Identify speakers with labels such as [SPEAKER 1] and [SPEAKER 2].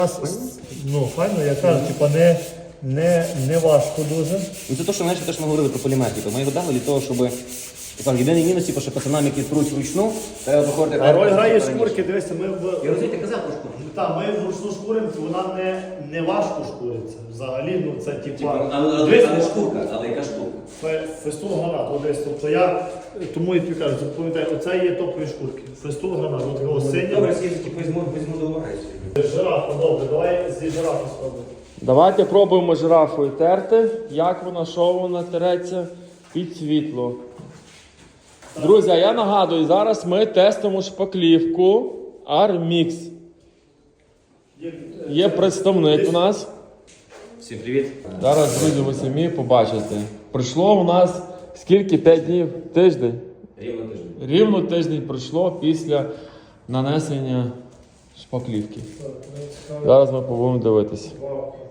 [SPEAKER 1] Ну, файно, я кажу, типа не важко дуже.
[SPEAKER 2] Ну це те, що, знаєш, те, що ми говорили про полімер. Ми його дали для того, щоб єдиний мінус, що пацанам, які труть вручну, треба виходити.
[SPEAKER 1] А роль грає шкурки, дивися, ми
[SPEAKER 2] Я розумію, ти казав про шкурку.
[SPEAKER 1] Так, ми вручну шкуримо, вона не важко шкуриться. Взагалі, ну це типа.
[SPEAKER 2] Але шкурка, але яка шкурка?
[SPEAKER 1] Фестул гранат, ось, тобто я тому і тобі кажу, пам'ятай, оце є топові шкурки. Фестул гранат, от його синя.
[SPEAKER 2] Добре, візьму до уваги.
[SPEAKER 1] Жирафа, добре, давай зі жирафи спробуємо.
[SPEAKER 3] Давайте пробуємо жирафою терти, як вона, що вона тереться під світло. Друзі, я нагадую, зараз ми тестимо шпаклівку Armix. Є представник у нас.
[SPEAKER 2] Всім привіт.
[SPEAKER 3] Зараз, друзі, ви самі побачите. Пройшло у нас скільки? 5 днів? Тиждень?
[SPEAKER 2] Рівно тиждень.
[SPEAKER 3] Рівно тиждень пройшло після нанесення шпаклівки. Зараз ми будемо дивитися.